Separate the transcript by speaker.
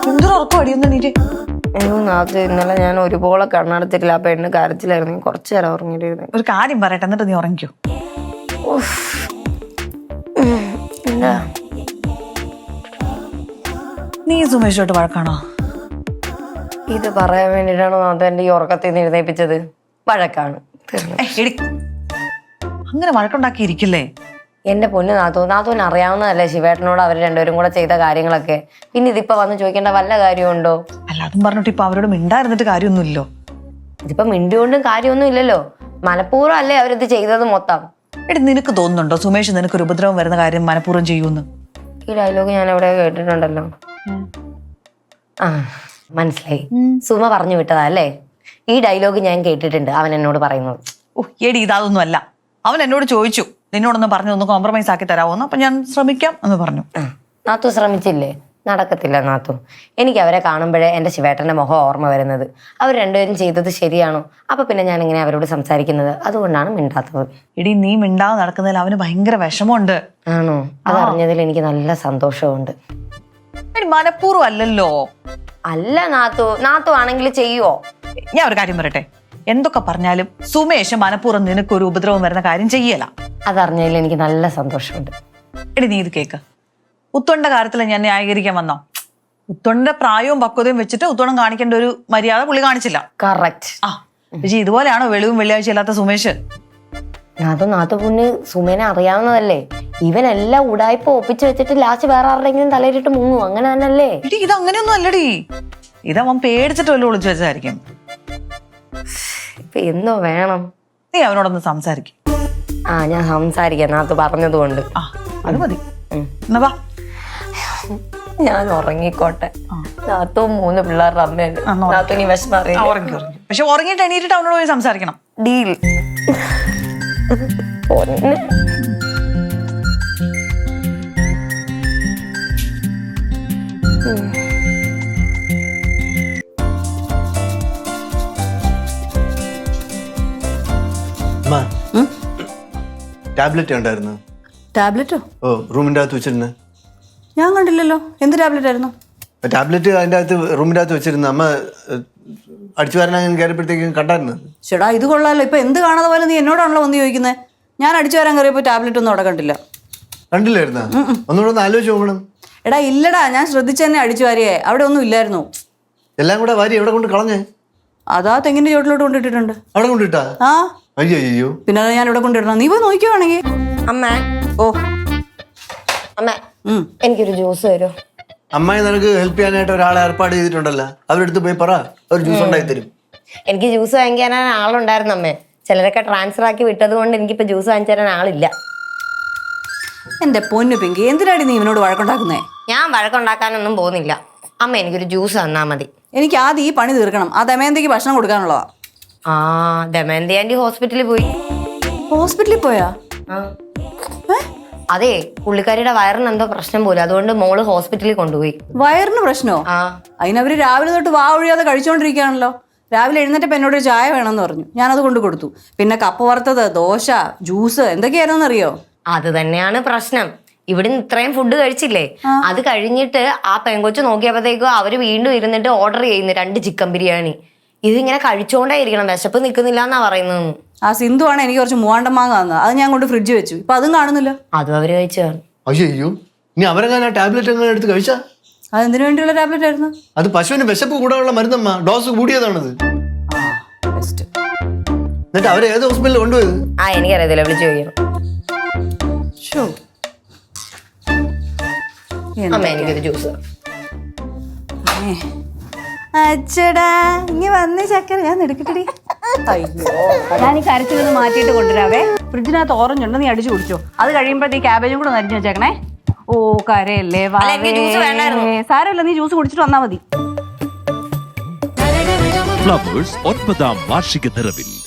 Speaker 1: എന്തൊരു ഉറക്കം അടിയൊന്നും നീറ്റ്.
Speaker 2: അയ്യോ നാത്ത്, ഇന്നലെ ഞാൻ ഒരുപോലെ കണ്ണടച്ചിട്ടില്ല. ആ പെണ്ണ് കരച്ചിലായിരുന്നു. കുറച്ചു നേരം ഉറങ്ങിയിട്ടിരുന്നു.
Speaker 1: ഒരു കാര്യം പറയട്ടെ, എന്നിട്ട് നീ ഉറങ്ങിക്കോ.
Speaker 2: എന്താ
Speaker 1: നീ സുമേഷോട്ട് വഴക്കാണോ?
Speaker 2: ഇത് പറയാൻ വേണ്ടിട്ടാണോ നാത്ത് എന്റെ ഈ ഉറക്കത്തിൽ നിന്ന് എഴുന്നേപ്പിച്ചത്? വഴക്കാണ്.
Speaker 1: അങ്ങനെ വഴക്കുണ്ടാക്കി ഇരിക്കില്ലേ?
Speaker 2: എന്റെ പൊന്ന് നാത്തൂന് അറിയാവുന്നതല്ലേ ശിവേട്ടനോട് അവർ രണ്ടുപേരും കൂടെ ചെയ്ത കാര്യങ്ങളൊക്കെ. പിന്നെ ഇതിപ്പോ വന്ന് ചോദിക്കേണ്ട വല്ല കാര്യമുണ്ടോ?
Speaker 1: അല്ല, അതും പറഞ്ഞിട്ട് ഇപ്പൊ അവരോട് മിണ്ടായിരുന്നിട്ട് കാര്യമൊന്നുമില്ലോ.
Speaker 2: ഇതിപ്പോ മിണ്ടിക്കൊണ്ടും കാര്യമൊന്നും ഇല്ലല്ലോ. മനഃപൂർവ്വം അല്ലേ അവരിത് ചെയ്തത് മൊത്തം.
Speaker 1: നിനക്ക് തോന്നുന്നുണ്ടോ സുമേഷ് നിനക്കൊരു ഉപദ്രവം വരുന്ന കാര്യം മനഃപൂർവ്വം ചെയ്യുമെന്ന്?
Speaker 2: ഈ ഡയലോഗ് ഞാൻ എവിടെ കേട്ടിട്ടുണ്ടല്ലോ. ആ മനസ്സിലായി. സുമ പറഞ്ഞു വിട്ടതാ അല്ലേ? ഈ ഡയലോഗ് ഞാൻ കേട്ടിട്ടുണ്ട് അവൻ എന്നോട് പറയുന്നത്.
Speaker 1: എടി ഇതൊന്നും അല്ല. അവൻ എന്നോട് ചോദിച്ചു നിന്നോടൊന്ന് പറഞ്ഞു ഒന്ന് കോംപ്രമൈസ് ആക്കി തരാമോന്ന്. അപ്പൊ ഞാൻ ശ്രമിക്കാം എന്ന് പറഞ്ഞു.
Speaker 2: നാത്തു ശ്രമിച്ചില്ലേ? നടക്കത്തില്ല നാത്തു. എനിക്ക് അവരെ കാണുമ്പോഴേ എന്റെ ശിവേട്ടന്റെ മുഖം ഓർമ്മ വരുന്നത്. അവർ രണ്ടുപേരും ചെയ്തത് ശരിയാണോ? അപ്പൊ പിന്നെ ഞാൻ ഇങ്ങനെ അവരോട് സംസാരിക്കുന്നത്. അതുകൊണ്ടാണ് മിണ്ടാത്തത്.
Speaker 1: എടി നീ മിണ്ടാതെ നടക്കുന്നതിൽ അവന് ഭയങ്കര വിഷമമുണ്ട്.
Speaker 2: ആണോ? അതറിഞ്ഞതിൽ എനിക്ക് നല്ല സന്തോഷമുണ്ട്.
Speaker 1: എടി മനഃപൂർവ്വം അല്ലല്ലോ.
Speaker 2: അല്ല നാത്തു ആണെങ്കിൽ ചെയ്യുവോ?
Speaker 1: ഞാൻ ഒരു കാര്യം പറയട്ടെ, എന്തൊക്കെ പറഞ്ഞാലും സുമേഷ് മനഃപൂർവ്വം നിനക്കൊരു ഉപദ്രവം വരുന്ന കാര്യം ചെയ്യല.
Speaker 2: അതറിഞ്ഞതിൽ എനിക്ക് നല്ല സന്തോഷമുണ്ട്.
Speaker 1: എടി നീ ഇത് കേക്ക്. ഉത്തോണിന്റെ കാര്യത്തിൽ ഞാൻ ന്യായീകരിക്കാൻ വന്നോ? ഉത്തോണിന്റെ പ്രായവും പക്വതയും വെച്ചിട്ട് ഉത്തോണം കാണിക്കേണ്ട ഒരു മര്യാദ പുള്ളി കാണിച്ചില്ല.
Speaker 2: കറക്റ്റ്.
Speaker 1: പക്ഷെ ഇതുപോലെയാണോ വെളിവും വെള്ളിയാഴ്ച ഇല്ലാത്ത സുമേഷ്?
Speaker 2: നാത്തു പൊന്ന് സുമേനെ അറിയാവുന്നതല്ലേ. ഇവനെല്ലാം ഉടായ്പ ഒപ്പിച്ച് വെച്ചിട്ട് ലാസ്റ്റ് വേറെ ആരുടെങ്കിലും തലയിലിട്ട് മുങ്ങും. അങ്ങനെ തന്നെയല്ലേ?
Speaker 1: ഇടി ഇത് അങ്ങനെയൊന്നും അല്ലടി. ഇതവൻ പേടിച്ചിട്ട് വല്ല ഒളിച്ചു വെച്ചായിരിക്കും.
Speaker 2: ഇപ്പൊ എന്തോ വേണം?
Speaker 1: നീ അവനോടൊന്ന് സംസാരിക്കും.
Speaker 2: ഞാൻ സംസാരിക്കാം നാത്തു പറഞ്ഞതുകൊണ്ട്.
Speaker 1: അത് മതി. എന്നാ വാ,
Speaker 2: ഞാൻ ഉറങ്ങിക്കോട്ടെ. നാത്തു 3 പിള്ളേരുടെ അമ്മയാണ്. നാത്തു നീ വിഷമം അറിയാം.
Speaker 1: പക്ഷെ ഉറങ്ങിയിട്ട് എണീറ്റിട്ട് അവനോട് പോയി സംസാരിക്കണം.
Speaker 2: ഡീൽ.
Speaker 3: ടാബ്ലറ്റ് ഉണ്ടായിരുന്നു.
Speaker 4: ടാബ്ലറ്റോ?
Speaker 3: ഓ, റൂമിന്റെ അകത്ത് വെച്ചിരുന്നു.
Speaker 4: ഞാൻ കണ്ടില്ലല്ലോ. എന്ത് ടാബ്ലറ്റ് ആയിരുന്നു?
Speaker 3: ടാബ്ലറ്റ് അതിന്റെ അകത്ത് റൂമിന്റെ അകത്ത് വെച്ചിരുന്നു. അമ്മ അടിച്ചു വരാൻ കയറിയപ്പോഴത്തേക്കും കണ്ടായിരുന്നു.
Speaker 4: ചേടാ ഇത് കൊള്ളാലോ. ഇപ്പൊ എന്ത് കാണാതെ പോലെ നീ എന്നോടാണല്ലോ വന്ന് ചോദിക്കുന്നത്. ഞാൻ അടിച്ചു വരാൻ കയറിയപ്പോ ടാബ്ലറ്റ് ഒന്നും അവിടെ കണ്ടില്ല.
Speaker 3: കണ്ടില്ലായിരുന്ന? ഒന്നുകൂടെ ഒന്ന് ആലോചിച്ച് നോക്കണം.
Speaker 4: എടാ ഇല്ലടാ, ഞാൻ ശ്രദ്ധിച്ചു തന്നെ അടിച്ചു വാരിയേ. അവിടെ ഒന്നും ഇല്ലായിരുന്നു.
Speaker 3: എല്ലാം കൂടെ വാരി എവിടെ കൊണ്ട് കളഞ്ഞേ?
Speaker 4: അതാ തെങ്ങിന്റെ ചോട്ടിലോട്ട് കൊണ്ടിട്ടിട്ടുണ്ട്.
Speaker 3: അവിടെ കൊണ്ടിട്ടാ?
Speaker 4: ആ
Speaker 3: അയ്യോ.
Speaker 4: പിന്നെ ഞാൻ ഇവിടെ കൊണ്ടിടണം. നീ പോയി നോക്കിയോണെങ്കിൽ.
Speaker 2: അമ്മ,
Speaker 4: ഓ
Speaker 2: അമ്മ എനിക്കൊരു ജ്യൂസ് തരുമോ?
Speaker 3: അമ്മായി നിനക്ക് ഹെൽപ്പ് ചെയ്യാനായിട്ട് ഒരാളെ ഏർപ്പാട് ചെയ്തിട്ടുണ്ടല്ലോ. അവരെടുത്ത് പോയി പറ, ഒരു ജ്യൂസ് ഉണ്ടായി തരും.
Speaker 2: എനിക്ക് ജ്യൂസ് വാങ്ങിക്കാൻ ആളുണ്ടായിരുന്നു അമ്മേ. ചിലരൊക്കെ ട്രാൻസ്ഫർ ആക്കി വിട്ടത് കൊണ്ട് എനിക്കിപ്പോ ജ്യൂസ് വാങ്ങിച്ചു തരാൻ ആളില്ല.
Speaker 4: എന്റെ പൊന്നു പിങ്കി, എന്തിനാടി നീ ഇവനോട് വഴക്കുണ്ടാക്കുന്നേ?
Speaker 2: ഞാൻ വഴക്കുണ്ടാക്കാനൊന്നും പോകുന്നില്ല. അമ്മ എനിക്കൊരു ജ്യൂസ് തന്നാ മതി.
Speaker 4: എനിക്ക് ആദ്യം ഈ പണി തീർക്കണം. ആ ദമയന്തിക്ക് ഭക്ഷണം കൊടുക്കാനുള്ളതാ.
Speaker 2: ദമയന്തി ആന്റി ഹോസ്പിറ്റലിൽ പോയി.
Speaker 4: ഹോസ്പിറ്റലിൽ പോയാ?
Speaker 2: അതെ, പുള്ളിക്കാരിയുടെ വയറിന് എന്തോ പ്രശ്നം പോലും. അതുകൊണ്ട് മോള് ഹോസ്പിറ്റലിൽ കൊണ്ടുപോയി.
Speaker 4: വയറിന് പ്രശ്നമോ? അതിനവര് രാവിലെ തൊട്ട് വാ ഒഴിയാതെ കഴിച്ചോണ്ടിരിക്കുകയാണല്ലോ. രാവിലെ എഴുന്നേറ്റപ്പോ എന്നോട് ചായ വേണമെന്ന് പറഞ്ഞു. ഞാനത് കൊണ്ട് കൊടുത്തു. പിന്നെ കപ്പ വറുത്തത്, ദോശ, ജ്യൂസ് എന്തൊക്കെയായിരുന്നു അറിയോ? അത്
Speaker 2: തന്നെയാണ് പ്രശ്നം. ഇവിടുന്ന് ഇത്രയും ഫുഡ് കഴിച്ചില്ലേ, അത് കഴിഞ്ഞിട്ട് ആ പെങ്കൊച്ച് നോക്കിയപ്പോഴത്തേക്കും അവര് വീണ്ടും ഇരുന്നിട്ട് ഓർഡർ ചെയ്യുന്നു 2 ചിക്കൻ ബിരിയാണി. ഇതിങ്ങനെ കഴിച്ചോണ്ടായിരിക്കണം, വിശപ്പ് നിൽക്കുന്നില്ല എന്നാ പറയുന്നത്.
Speaker 4: ആ സിന്ധു ആണ് എനിക്ക് കുറച്ച് മൂവാണ്ടം മാങ്ങ തന്നത്. അത് ഞാൻ കൊണ്ട് ഫ്രിഡ്ജ് വെച്ചു. ഇപ്പൊ അതും കാണുന്നില്ല.
Speaker 2: അതും അവര് കഴിച്ചു.
Speaker 3: അയ്യോ, ഇനി അവരെങ്ങനെ ടാബ്ലറ്റ് എങ്ങനെ എടുത്ത് കഴിച്ചാ?
Speaker 4: അതെന്തിനു വേണ്ടിയുള്ള ടാബ്ലറ്റ് ആയിരുന്നു?
Speaker 3: അത് പശുവിന് വിശപ്പ് കൂടാനുള്ള മരുന്നമ്മ. ഡോസ് കൂടിയതാണത്. എന്നിട്ട് അവരെ ഏത് ഹോസ്പിറ്റലിൽ കൊണ്ടുപോയത്?
Speaker 2: എനിക്കറിയത്തില്ല, വിളിച്ചു ചോദിക്കണം. എനിക്കൊരു ജ്യൂസ്.
Speaker 4: അച്ചടാ ഇനി വന്നേ ചക്കര, ഞാൻ എടുക്കട്ടെടി. അയ്യോ, ഞാൻ ഈ കരച്ചിലൊന്ന് മാറ്റിയിട്ട് കൊണ്ടുവരാവേ. ഫ്രിഡ്ജിനകത്ത് ഓറഞ്ച് ഉണ്ട്, നീ അടിച്ചു കുടിച്ചോ. അത് കഴിയുമ്പോ ഈ ക്യാബേജും കൂടെ നരിഞ്ഞു വെച്ചേക്കണേ. ഓ കരയല്ലേ, സാരമില്ല, നീ ജ്യൂസ് കുടിച്ചിട്ട് വന്നാ മതി.
Speaker 5: ഫ്ലവേഴ്സ് 9ാം വാർഷിക നിറവിൽ